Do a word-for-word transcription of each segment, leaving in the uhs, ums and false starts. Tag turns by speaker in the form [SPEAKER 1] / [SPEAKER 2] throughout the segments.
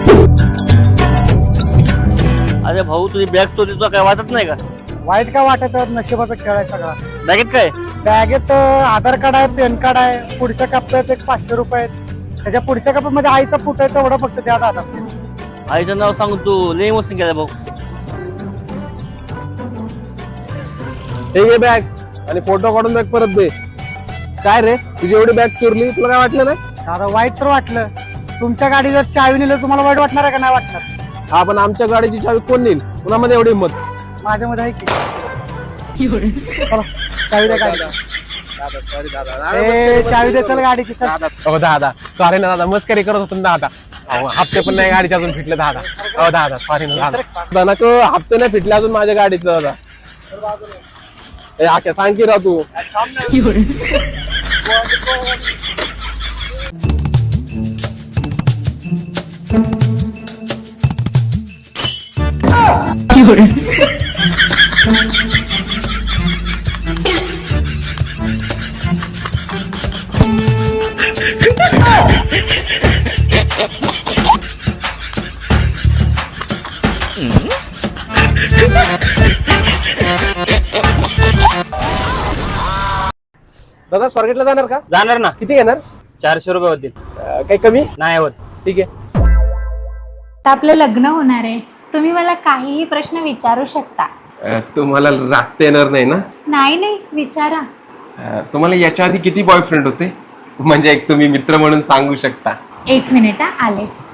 [SPEAKER 1] अरे भाऊ तुझी बॅग चोरी तुला काय वाटत नाही का?
[SPEAKER 2] वाईट काय वाटत? नशिबाचा खेळ आहे सगळा.
[SPEAKER 1] बॅगेत काय?
[SPEAKER 2] बॅगेत आधार कार्ड आहे, पॅन कार्ड आहे, पुढच्या कप्प्यात एक पाचशे रुपये आहेत, त्याच्या पुढच्या कप्प्यामध्ये आईचा फुट आहे, तेवढं फक्त द्या दादा प्लीज.
[SPEAKER 1] आईचं नाव सांगून तू लई इमोशन केलं भाऊ.
[SPEAKER 3] हे घे बॅग आणि फोटो काढून बॅग परत दे. काय रे तुझी एवढी बॅग चोरली, तुला काय वाटलं नाही?
[SPEAKER 2] दादा वाईट तर वाटलं. तुमच्या गाडी जर चावी नेलं तुम्हाला वाईट वाटणार आहे का नाही वाटणार?
[SPEAKER 3] हा पण आमच्या गाडीची चावी कोण नेईल? कुणामध्ये एवढी हिंमत?
[SPEAKER 2] माझ्यामध्ये आहे की. चला चावी द्या गाडी. ए, चावी दे चल गाडीची. चल.
[SPEAKER 3] हो दादा सॉरी ना दादा, मस्करी करत होतो ना दादा. अहो, हप्ते पण नाही गाडीचे अजून फिटले दादा. हो दादा सॉरी ना दादा. दादा नको, हप्ते नाही फिटले अजून माझ्या गाडीचे दादा. ए आख्या सांग की राव तू. दादा स्वारगेटला जाणार का?
[SPEAKER 1] जाणार ना.
[SPEAKER 3] किती घेणार?
[SPEAKER 1] चारशे रुपये होतील.
[SPEAKER 3] अं, काही कमी
[SPEAKER 1] नाही होत.
[SPEAKER 3] ठीक आहे.
[SPEAKER 4] आता आपलं लग्न होणार आहे, तुम्ही मला काहीही प्रश्न विचारू शकता.
[SPEAKER 3] अं, तुम्हाला राखता येणार नाही ना?
[SPEAKER 4] नाही नाही विचारा.
[SPEAKER 3] अं, तुम्हाला याच्या आधी किती बॉयफ्रेंड होते? म्हणजे एक तुम्ही मित्र म्हणून सांगू शकता.
[SPEAKER 4] एक मिनिट हा, आलेच.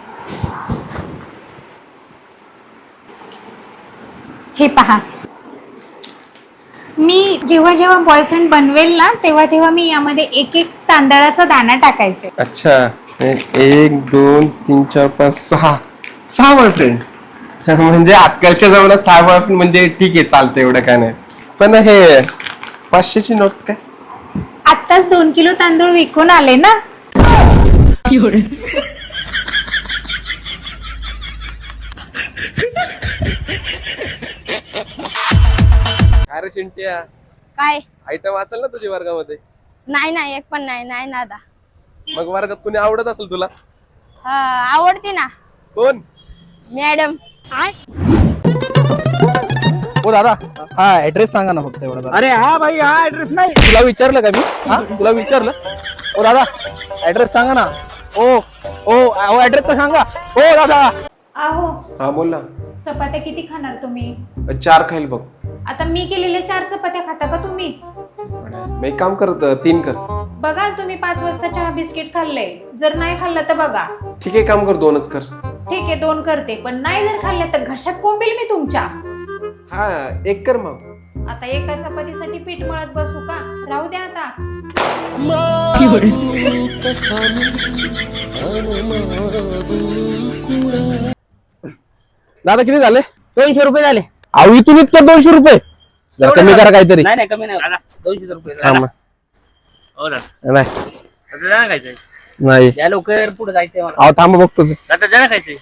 [SPEAKER 4] हे पहा, मी जेव्हा जेव्हा बॉयफ्रेंड बनवेल ना तेव्हा तेव्हा मी यामध्ये एक एक तांदळाचा दाणा टाकायचे.
[SPEAKER 3] अच्छा, एक दोन तीन चार पाच सहा सहा बॉयफ्रेंड. म्हणजे आजकालच्या जमान्यात सहा बॉयफ्रेंड म्हणजे ठीक आहे, चालतं, एवढं काय नाही. पण हे पाचशेची नोट काय?
[SPEAKER 4] आत्ताच दोन किलो तांदूळ विकून आले ना.
[SPEAKER 3] काय रे चिंट्या,
[SPEAKER 5] काय?
[SPEAKER 3] आयटम असेल ना तुझ्या वर्गामध्ये?
[SPEAKER 5] नाही नाही एक पण नाही. नाही नादा.
[SPEAKER 3] मग वर्गात कोणी आवडत असेल तुला?
[SPEAKER 5] हा आवडते ना.
[SPEAKER 3] कोण?
[SPEAKER 5] मॅडम.
[SPEAKER 6] हो दादा, हा ऍड्रेस सांगा ना फक्त एवढा.
[SPEAKER 1] अरे हा भाई, हा ऍड्रेस नाही.
[SPEAKER 6] तुला विचारलं का मी? हा तुला विचारलं? हो दादा ऍड्रेस सांगा ना. ओ ओ ऍड्रेस तर सांगा. हो दादा.
[SPEAKER 4] अहो
[SPEAKER 3] हा बोल ना.
[SPEAKER 4] चपात्या किती खाणार तुम्ही?
[SPEAKER 3] चार खाईल बघ.
[SPEAKER 4] आता मी केलेल्या चार चपात्या खाता का तुम्ही?
[SPEAKER 3] मी एक काम करत, तीन कर.
[SPEAKER 4] बघा तुम्ही पाच वाजता चहा बिस्किट खाल्ले, जर नाही खाल्लं तर बघा.
[SPEAKER 3] ठीक आहे, काम कर, दोनच कर.
[SPEAKER 4] ठीक आहे दोन करते, पण नाही जर खाल्लं तर घशात कोंबेल मी तुमच्या.
[SPEAKER 3] हा एक कर मग.
[SPEAKER 4] आता एका चपातीसाठी पीठ मळत बसू का? राहू द्या आता.
[SPEAKER 6] दादा किती झाले?
[SPEAKER 1] दोनशे रुपये झाले.
[SPEAKER 6] अहो इथून इतकं दोनशे रुपये? जरा कमी करा काहीतरी.
[SPEAKER 1] नाही नाही कमी नाही. दोनशे रुपये.
[SPEAKER 6] थांब.
[SPEAKER 1] हो ना.
[SPEAKER 6] नाही
[SPEAKER 1] आता जाणं खायचंय.
[SPEAKER 6] नाही
[SPEAKER 1] या लवकर पुढे जायचंय मला.
[SPEAKER 6] अहो थांब बघतोच.
[SPEAKER 1] आता जाणं खायचंय.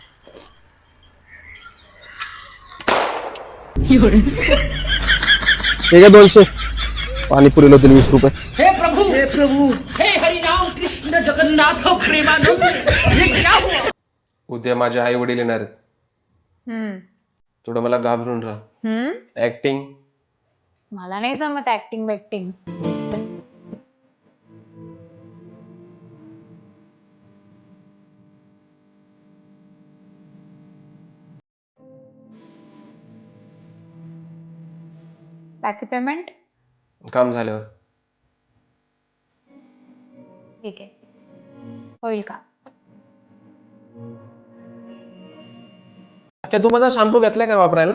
[SPEAKER 6] हे घ्या दोनशे. पाणीपुरीला होतील वीस रुपये.
[SPEAKER 7] हे प्रभु हे प्रभु हे हरि राम कृष्ण जगन्नाथ प्रेमानंद, ये क्या हुआ?
[SPEAKER 3] उद्या माझे आई वडील येणार आहेत.
[SPEAKER 4] हम्म
[SPEAKER 3] थोडं मला घाबरून राहा.
[SPEAKER 4] हम्म
[SPEAKER 3] ऍक्टिंग.
[SPEAKER 4] मला नाही जमत ऍक्टिंग बॅक्टिंग. बाकी पेमेंट
[SPEAKER 3] काम झाल्यावर.
[SPEAKER 4] ठीक आहे, होईल का?
[SPEAKER 3] तू माझा शॅम्पू घेतलाय का वापरायला?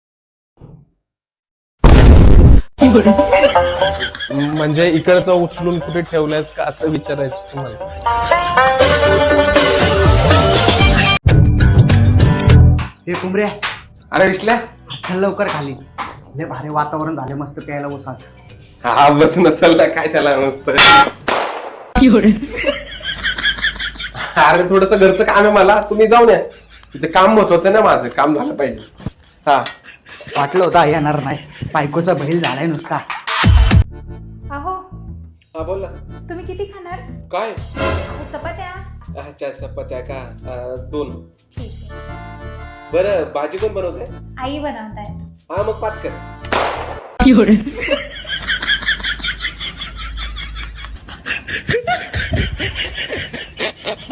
[SPEAKER 3] म्हणजे इकडचं उचलून कुठे ठेवलंयस का असं विचारायचं तुम्हाला.
[SPEAKER 2] हे कुंबऱ्या,
[SPEAKER 3] अरे विसल्या,
[SPEAKER 2] चल लवकर खाली. लय भारी वातावरण झाले, मस्त प्यायला बसा.
[SPEAKER 3] हा बसून चालला काय त्याला मस्त. अरे थोडस घरचं काम आहे मला, तुम्ही जाऊन या. ते काम महत्वाचं आहे ना, माझं काम झालं पाहिजे. हा
[SPEAKER 2] वाटलं होतं येणार नाही, बायकोचा बैल झालाय नुसता.
[SPEAKER 4] अहो
[SPEAKER 3] हा बोल ना.
[SPEAKER 4] तुम्ही किती खाणार?
[SPEAKER 3] काय?
[SPEAKER 4] अहो, चपात्या.
[SPEAKER 3] अच्छा चपात्या का अं, दोन.
[SPEAKER 4] ठीक आहे.
[SPEAKER 3] बरं भाजी कोण बनवते?
[SPEAKER 4] आई बनवतायत.
[SPEAKER 3] हा मग पाच कर.